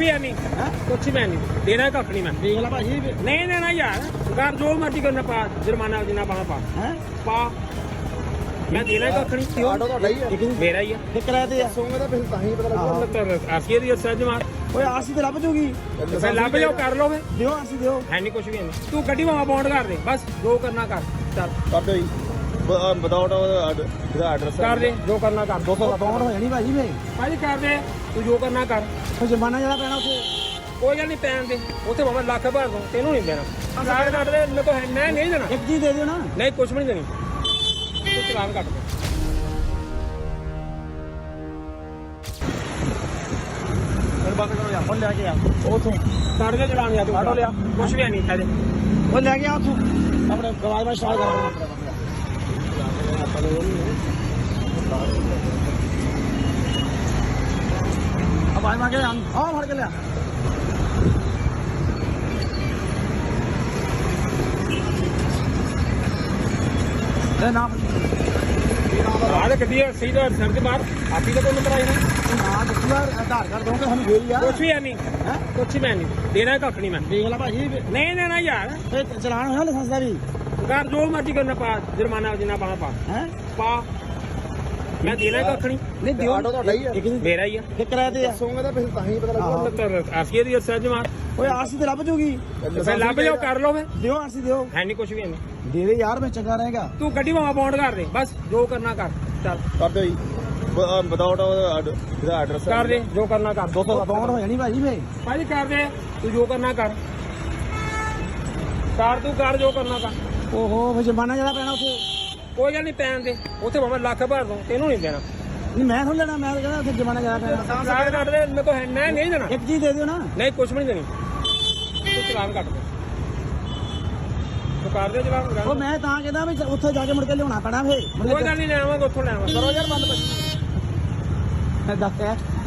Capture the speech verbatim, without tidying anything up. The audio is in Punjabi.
ਵੀ ਹੈ ਨਹੀਂ ਕੁਛ ਵੀ ਨਹੀਂ ਦੇਣਾ ਕੱਖ ਨਹੀਂ ਮੈਂ ਦੇਖ ਲੈ ਭਾਜੀ ਨਹੀਂ ਦੇਣਾ ਯਾਰ ਘਰ ਜੋ ਮਰਜ਼ੀ ਕਰਨਾ ਪਾ ਜੁਰਮਾਨਾ ਜਿੰਨਾ ਪਾਣਾ ਪਾ ਹੈ ਪਾ ਮੈਂ ਦੇਣਾ ਕੱਖ ਨਹੀਂ ਆਟੋ ਤੁਹਾਡਾ ਹੀ ਹੈ ਮੇਰਾ ਹੀ ਆ ਤੇ ਕਿਰਾਏ ਤੇ ਆ ਸੋਂਗੇ ਤਾਂ ਫਿਰ ਤਾਂ ਹੀ ਪਤਾ ਲੱਗਦਾ ਆਸੀਏ ਦੀ ਸੱਜ ਮਾਰ ਓਏ ਆਰਸੀ ਤੇ ਲੱਭ ਜੂਗੀ ਫਿਰ ਲੱਭ ਜਾਓ ਕਰ ਲਓ ਫੇ ਦਿਓ ਆਰਸੀ ਦਿਓ ਹੈ ਨਹੀਂ ਕੁਛ ਵੀ ਨਹੀਂ ਤੂੰ ਗੱਡੀ ਭਾਵੇਂ ਬੌਂਡ ਕਰ ਦੇ ਬਸ ਜੋ ਕਰਨਾ ਕਰ ਚੱਲ ਕਰ ਦਿਓ ਜੀ ਵਿਦਾਊਟ ਉਹਦਾ ਐਡਰੈਸ ਕਰ ਦੇ ਜੋ ਕਰਨਾ ਕਰ ਦੋ ਸੌ ਬਾਉਂਡ ਹੋ ਜਾਣੀ ਭਾਜੀ ਵੇ ਭਾਜੀ ਕਰ ਦੇ ਤੂੰ ਜੋ ਕਰਨਾ ਕਰ ਉਹ ਜੁਰਮਾਨਾ ਜਿਹੜਾ ਪੈਣਾ ਉੱਥੇ ਕੋਈ ਗੱਲ ਨਹੀਂ ਪੈਣ ਦੇ ਉੱਥੇ ਭਾਵੇਂ ਲੱਖ ਭਰ ਦੋ ਤੈਨੂੰ ਨਹੀਂ ਦੇਣਾ ਕਾਰਡ ਕੱਟ ਦੇ ਮੇਰੇ ਕੋਲ ਹੈ ਮੈਂ ਨਹੀਂ ਦੇਣਾ ਇੱਕ ਜੀ ਦੇ ਦਿਓ ਨਾ ਨਹੀਂ ਕੁਛ ਵੀ ਨਹੀਂ ਦੇਣੀ ਤੂੰ ਚਲਾਨ ਕੱਟ ਦੇ ਫਿਰ ਬੰਦ ਕਰੋ ਯਾਰ ਉਹ ਲੈ ਕੇ ਆ ਉਥੋਂ ਕੱਟ ਦੇ ਚਲਾਨ ਯਾਰ ਤੂੰ ਆਟੋ ਲਿਆ ਕੁਛ ਵੀ ਨਹੀਂ ਕਹਦੇ ਉਹ ਲੈ ਕੇ ਆ ਉਥੋਂ ਆਪਣੇ ਗਵਾਜ ਮੈਂ ਸਟਾਰਟ ਕਰ अब आए मांगे हम हाँ भर के लिया नाम आधे कभी सीधा सर के बाहर आपी का कोई नंबर आई ना नाम आधार कार्ड दोगे हम दे दिया कुछ भी है नहीं कुछ भी है नहीं देना कख नहीं मैं देख ला भाजी नहीं देना यार चलान होना लाइसेंस का भी घर जो मर्जी करना पा जुर्माना जिन्ना पाना पा हैं पा मैं देना कख नहीं नहीं दियो आटो ਤੁਹਾਡਾ ਹੀ ਹੈ मेरा ही है ਤੇ ਕਿਰਾਏ ਤੇ ਆ ਸੋਂਗੇ ਤਾਂ ਫਿਰ ਤਾਂ ਹੀ ਪਤਾ ਲੱਗਦਾ आसीए ਦੀ सੱਜ ਮਾਰ ਓਏ ਆਰਸੀ ਤੇ ਲੱਭ ਜੂਗੀ ਫਿਰ ਲੱਭ ਜਾਓ ਕਰ ਲਓ ਫੇ ਦਿਓ ਆਰਸੀ ਦਿਓ ਹੈ ਨਹੀਂ ਕੁਛ ਵੀ ਨਹੀਂ ਦੇ ਦੇ ਯਾਰ ਮੈਂ ਚੰਗਾ ਰਹੇਗਾ ਤੂੰ ਗੱਡੀ ਭਾਵੇਂ ਬੌਂਡ ਕਰ ਦੇ ਬਸ ਜੋ ਕਰਨਾ ਕਰ ਚੱਲ ਕਰ ਦਿਓ ਜੀ ਵਿਦਾਊਟ ਉਹਦਾ ਐਡਰੈਸ ਕਰ ਦੇ ਜੋ ਕਰਨਾ ਕਰ ਦੋ ਸੌ ਬਾਉਂਡ ਹੋ ਜਾਣੀ ਭਾਜੀ ਵੇ ਭਾਜੀ ਕਰ ਦੇ ਤੂੰ ਜੋ ਕਰਨਾ ਕਰ ਕਰ ਤੂੰ ਕਰ ਜੋ ਕਰਨਾ ਕਰ ਓਹੋ ਫਿਰ ਜੁਰਮਾਨਾ ਜਿਹੜਾ ਪੈਣਾ ਉੱਥੇ ਕੋਈ ਗੱਲ ਨਹੀਂ ਪੈਣ ਦੇ ਉੱਥੇ ਭਾਵੇਂ ਲੱਖ ਭਰ ਦੋ ਤੈਨੂੰ ਨਹੀਂ ਦੇਣਾ ਨਹੀਂ ਮੈਂ ਥੋੜਾ ਲੈਣਾ ਮੈਂ ਕਹਿੰਦਾ ਉੱਥੇ ਜੁਰਮਾਨਾ ਜ਼ਿਆਦਾ ਪੈਣਾ ਕਾਰਡ ਕੱਟ ਦੇ ਮੇਰੇ ਕੋਲ ਹੈ ਮੈਂ ਨਹੀਂ ਦੇਣਾ ਇੱਕ ਜੀ ਦੇ ਦਿਓ ਨਾ ਨਹੀਂ ਕੁਛ ਵੀ ਨਹੀਂ ਦੇਣੀ ਤੂੰ ਚਲਾਨ ਕੱਟ ਦੇ ਤੂੰ ਕਰ ਦੇ ਚਲਾਨ ਉਹ ਮੈਂ ਤਾਂ ਕਹਿੰਦਾ ਵੀ ਉੱਥੇ ਜਾ ਕੇ ਮੁੜ ਕੇ ਲਿਆਉਣਾ ਪੈਣਾ ਫੇ ਕੋਈ ਗੱਲ ਨਹੀਂ ਲੈ ਆਵਾਂਗਾ ਉੱਥੋਂ ਲੈ ਆਵਾਂਗਾ ਕਰੋ ਯਾਰ ਬੰਦ ਦੱਸ